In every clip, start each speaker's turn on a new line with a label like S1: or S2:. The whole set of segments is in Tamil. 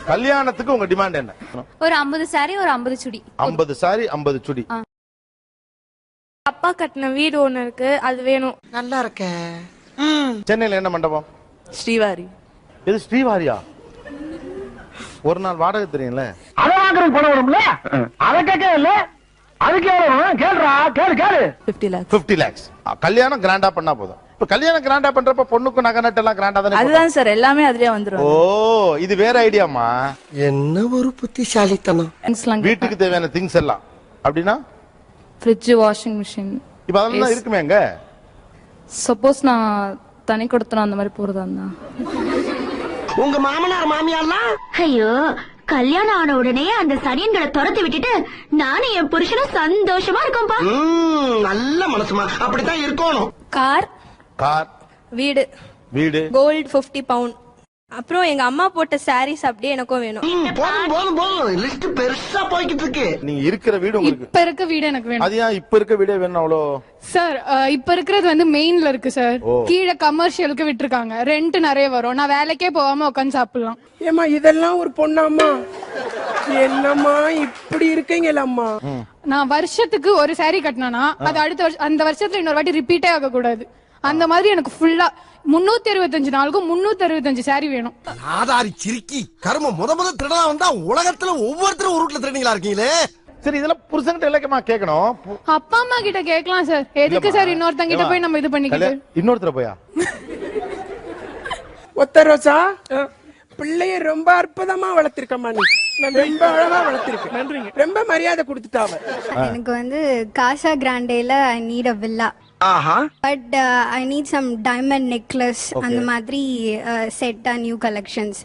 S1: கல்யாணத்துக்கு உங்க டிமாண்ட் என்ன?
S2: ஒரு 50 saree ஒரு 50 சுடி.
S1: 50 saree 50 சுடி.
S3: அப்பா கட்டின வீடு ஒண்ணு இருக்கு, அது வேணும்.
S4: நல்லா இருக்க.
S1: சென்னையில என்ன மண்டபம்?
S4: ஸ்ரீவாரி.
S1: இது ஸ்ரீவாரியா? ஒரு நாள் வாடகை தெரியும்ல?
S5: அத வாங்குறதுக்கு பணம் வரும்ல, அத கேட்க இல்ல. அதுக்கு எவ்வளவு கேளுடா, கேளு
S4: 50 lakhs.
S1: 50 lakhs. கல்யாணம் கிராண்டா பண்ணா போதும். இப்ப கல்யாணம் கிராண்டா பண்றப்ப பொண்ணுக்கு நகை நட்டு எல்லாம் கிராண்டா தானே?
S4: அதுதான் சார், எல்லாமே அதுலயே வந்துரும்.
S1: ஓ, இது வேற ஐடியாமா?
S4: என்ன ஒரு புத்திசாலித்தனம்.
S1: வீட்டுக்கு தேவையான திங்ஸ் எல்லாம் அப்படின்னா
S6: ஃப்ரிட்ஜ், வாஷிங் மிஷின்.
S1: இப்ப அதெல்லாம் இருக்குமே எங்க?
S6: சப்போஸ் நான் தனி கொடுத்தனா அந்த மாதிரி போறதா இருந்தா.
S4: உங்க மாமனார் மாமியார்லாம்
S2: ஐயோ, கல்யாணம் ஆன உடனே அந்த சனியன்களை துரத்தி விட்டுட்டு நானும் என் புருஷனும் சந்தோஷமா இருக்கோம்பா.
S4: நல்ல மனசுமா, அப்படித்தான் இருக்கணும்.
S3: கார்,
S1: கார்,
S3: வீடு,
S1: வீடு,
S3: கோல்டு 50 பவுண்ட். அப்புறம் எங்க அம்மா போட்ட சாரீஸ் அப்படியே எனக்கும் வேணும்.
S4: போதும் லிஸ்ட் பெருசா போய்கிட்டு இருக்கு.
S1: நீங்க இருக்கிற வீடு உங்களுக்கு
S6: இப்ப இருக்க வீடு எனக்கு வேணும்.
S1: அது ஏன் இப்ப இருக்க வீடே வேணும் அவ்வளோ?
S6: சார் இப்ப இருக்கிறது வந்து மெயின்ல இருக்கு சார். கீழே கமர்ஷியலுக்கு விட்டுருக்காங்க, ரெண்ட் நிறைய வரும். நான் வேலைக்கே போகாம உட்காந்து சாப்பிடலாம்.
S7: ஏமா இதெல்லாம் ஒரு பொண்ணாம்மா? என்னம்மா இப்படி இருக்கீங்களம்மா?
S6: நான் வருஷத்துக்கு ஒரு saree கட்டினா அது அடுத்த அந்த வருஷத்துல இன்னொரு வாட்டி ரிப்பீட்டே ஆக கூடாது. அந்த மாதிரி எனக்கு ஃபுல்லா 365 நாளுக்கும் 365 saree வேணும்.
S4: ஆதாரி சிரிக்கி கர்ம முத திருடா வந்தா உலகத்துல ஒவ்வொருத்தரும் ஒரு ரூட்ல திருடீங்களா இருக்கீங்களே.
S1: சரி, இதெல்லாம் புருஷன்கிட்ட இலக்கமா கேட்கணும்.
S6: அப்பா அம்மா கிட்ட கேட்கலாம் சார். எதுக்கு சார் இன்னொருத்தங்க கிட்ட போய் நம்ம இது பண்ணிக்கிட்டு?
S1: இன்னொருத்தர போயா?
S7: ஒத்த ரோசா, பிள்ளைய ரொம்ப அற்புதமா வளர்த்திருக்கம்மா நீ. ரொம்ப அழகா வளர்த்திருக்க. நன்றிங்க. ரொம்ப மரியாதை கொடுத்துட்டாவ.
S8: எனக்கு வந்து காசா கிராண்டேல I need a villa. But I need some diamond necklace and madri set new collections.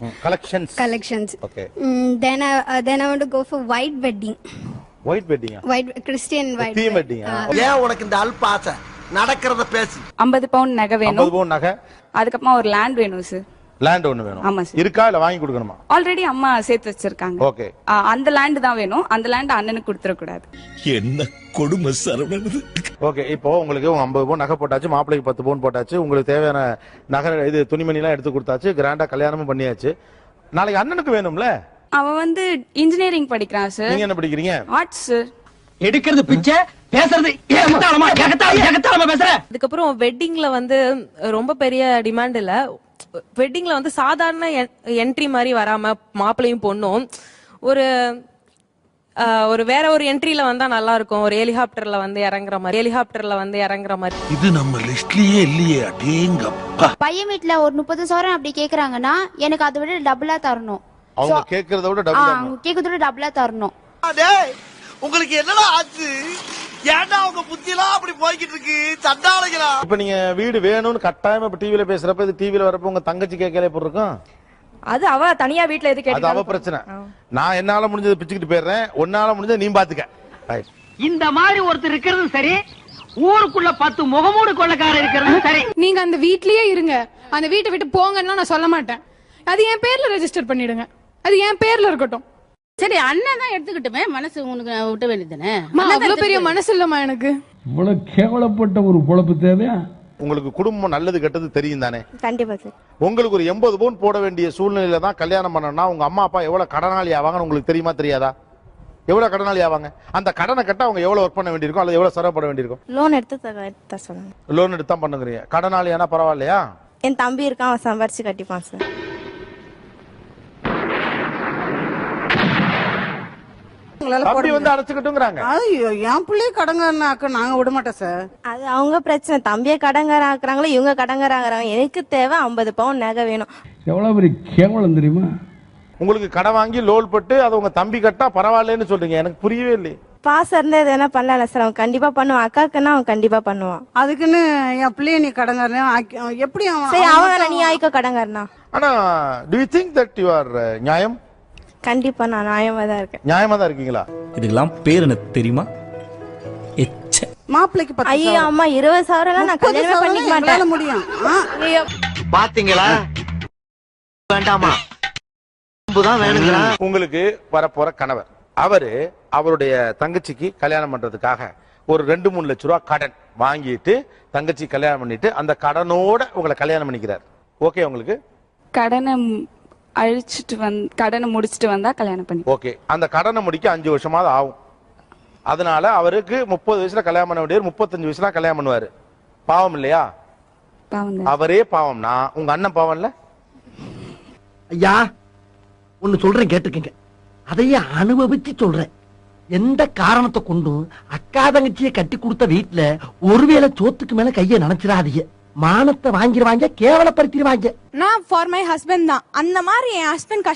S1: Okay.
S8: Then I want to go for white wedding.
S1: White wedding?
S8: White Christian white
S1: theme wedding.
S4: ஏன் உனக்கு இந்த அல்பாசை? நடக்கிறத பேசு.
S9: 50 பவுண்ட் நகை வேணும்.
S1: 50 பவுண்ட் நகை.
S9: அதுக்கப்புறமா ஒரு லேண்ட் வேணும் சார்.
S1: லேண்ட் ஒன்னு வேணும்.
S9: ஆமா சார்.
S1: இருக்கா இல்ல வாங்கி கொடுக்கணுமா?
S9: ஆல்ரெடி அம்மா சேர்த்து வச்சிருக்காங்க.
S1: ஓகே.
S9: அந்த லேண்ட் தான் வேணும். அந்த லேண்ட் அண்ணனுக்கு கொடுத்துற கூடாது.
S10: என்ன கொடுமை சரவணன்.
S1: ஓகே, இப்போ உங்களுக்கு 50 பவுன் நகை போட்டாச்சு, மாப்பிள்ளைக்கு 10 பவுன் போட்டாச்சு, உங்களுக்கு தேவையான நகை இது துணிமணி எல்லாம் எடுத்து கொடுத்தாச்சு, கிராண்டா கல்யாணமும் பண்ணியாச்சு. நாளைக்கு அண்ணனுக்கு வேணும்ல?
S9: அவன் வந்து இன்ஜினியரிங் படிக்கிறான் சார்.
S1: நீங்க என்ன படிக்கிறீங்க?
S9: Arts sir.
S5: எடுக்கிறது பிச்சை, பேசுறது ஏகத்தாளமா பேசுற.
S3: அதுக்கப்புறம் வெட்டிங்ல வந்து ரொம்ப பெரிய டிமாண்ட் இல்ல. வெட்டிங்ல வந்து சாதாரண என்ட்ரி மாதிரி வராம மாப்பிள்ளையும் பொண்ணும் ஒரு ஒரு வேற ஒரு என்ட்ரில வந்தா நல்லா இருக்கும். ஒரு ஹெலிகாப்டர்ல வந்து இறங்குற மாதிரி.
S10: இது நம்ம லிஸ்ட்லயே இல்லையே. அடேங்கப்பா.
S2: பையன் வீட்டுல ஒரு 30 சவரன் அப்படி கேக்குறாங்கன்னா எனக்கு அதை விட டபுளா தரணும்.
S1: அவங்க கேக்குறத விட
S2: டபுளா தரணும்.
S4: உங்களுக்கு என்னடா ஆச்சு? ஏன்டா உங்க புத்தியெல்லாம் அப்படி போய்கிட்டு இருக்கு? சண்டாளைகளா?
S1: இப்ப நீங்க வீடு வேணும்னு கட்டாயமா இப்ப டிவில பேசுறப்ப, இது டிவில வரப்ப உங்க தங்கச்சி கேட்கல எப்படி இருக்கும்?
S3: அது அவ தனியா வீட்ல எது கேட்டா
S1: அது அவ பிரச்சனை. நான் என்னால முடிஞ்சதை பிச்சுக்கிட்டு போயிடுறேன், உன்னால முடிஞ்சதை நீ பாத்துக்க.
S5: இந்த மாதிரி ஒருத்தர் இருக்கிறது சரி, ஊருக்குள்ள 10 முகமூடு கொள்ளக்காரர் இருக்கிறது சரி.
S6: நீங்க அந்த வீட்லயே இருங்க, அந்த வீட்டை விட்டு போங்கன்னா நான் சொல்ல மாட்டேன். அது என் பேர்ல ரெஜிஸ்டர் பண்ணிடுங்க, அது என் பேர்ல இருக்கட்டும்.
S11: சரி, அண்ணன் தான் எடுத்துக்கிட்டுமே, மனசு உனக்கு விட்ட வேண்டியதானே.
S6: அவ்வளவு பெரிய மனசு இல்லம்மா எனக்கு.
S5: இவ்வளவு கேவலப்பட்ட ஒரு பொழப்பு தேவையா?
S1: உங்களுக்கு குடும்பம் நல்லது கெட்டது தெரியும் தானே?
S3: கண்டிப்பா சார்.
S1: உங்களுக்கு ஒரு 80 பவுன் போட வேண்டிய சூழ்நிலையில தான் கல்யாணம் பண்ணணும்னா உங்க அம்மா அப்பா எவ்வளவு கடனாளி ஆவாங்கன்னு உங்களுக்கு தெரியுமா தெரியாதா? எவ்வளவு கடனாளி ஆவாங்க? அந்த கடனை கட்ட அவங்க எவ்வளவு ஒர்க் பண்ண வேண்டியிருக்கும், அல்லது எவ்வளவு சிரமப்பட வேண்டியிருக்கும்?
S3: லோன் எடுத்து சொல்லுங்க.
S1: லோன் எடுத்து தான் பண்ணுங்கறீங்க. கடனாளி ஆனா பரவாயில்லையா?
S3: என் தம்பி இருக்கான், அவன் சம்பாரிச்சு கட்டிப்பான் சார்.
S1: அப்படி வந்து அடைச்சுக்கிட்டுங்கறாங்க.
S11: ஐயோ, என் பிள்ளைய கடங்காரனாக்க நாங்க விட மாட்டோம் சார்.
S3: அது அவங்க பிரச்சனை. தம்பியை கடங்கார ஆக்குறாங்களோ இவங்க கடங்காராங்க. எனக்கு தேவை 50 பவுன் நகை வேணும்.
S5: எவ்வளவு பெரிய கேவலம் தெரியுமா?
S1: உங்களுக்கு கடன் வாங்கி லோன் போட்டு அதை உங்க தம்பி கட்டா பரவாயில்லன்னு சொல்றீங்க. எனக்கு புரியவே இல்லை.
S3: பாசம் இருந்தா எது வேணா பண்ணல சார். அவன் கண்டிப்பா பண்ணுவான். அக்காக்குன்னா அவன் கண்டிப்பா பண்ணுவான்.
S11: அதுக்குன்னு என் பிள்ளைய நீ கடங்காரனா எப்படி?
S3: சரி, அவன் நீ ஆயிக்கோ கடங்காரனா.
S1: ஆனா do you think that you are நியாயம்?
S3: கண்டிப்பா நான் நியாயமா தான் இருக்கேன்.
S1: நியாயமா தான் இருக்கீங்களா?
S10: இதுக்கெல்லாம் பேர் என்ன தெரியுமா?
S11: மாப்பிளைக்கு 10
S3: ஐயோ அம்மா 20,000 நான் கல்யாணம் பண்ணிக்க மாட்டேன்.
S11: முடியும்.
S4: பாத்தீங்களா? வேண்டாமா? வேணுங்களா?
S1: உங்களுக்கு வரப்போற கணவர் அவரு அவருடைய தங்கச்சிக்கு கல்யாணம் பண்றதுக்காக ஒரு 2-3 லட்சம் ரூபாய் கடன் வாங்கிட்டு தங்கச்சி கல்யாணம் பண்ணிட்டு அந்த கடனோட உங்களை கல்யாணம் பண்ணிக்கிறார். ஓகே உங்களுக்கு?
S9: கடனை அழிச்சிட்டு கடனை முடிச்சிட்டு வந்தா கல்யாணம் பண்ணி.
S1: ஓகே, அந்த கடனை முடிக்க 5 வருஷமாவது ஆகும். அதனால அவருக்கு 30 வயசுல கல்யாணம் பண்ண வேண்டியவர் 35 வயசுல கல்யாணம் பண்ணுவாரு. பாவம் இல்லையா? அவரே பாவம்னா உங்க அண்ணன் பாவம் இல்ல?
S5: ஐயா ஒன்னு சொல்றேன் கேட்டுக்கங்க, அதையே அனுபவிச்சு சொல்றேன். எந்த காரணத்தை கொண்டும் அக்கா தங்கச்சியை கட்டி கொடுத்த வீட்டுல ஒருவேளை சோத்துக்கு மேல கைய நினைச்சிடாதீங்க. மானத்தை வாங்கிடுவாங்க, கேவலப்படுத்திடுவாங்க.
S12: நான் ஃபார் மை ஹஸ்பண்ட் தான். அந்த மாதிரி என் ஹஸ்பண்ட்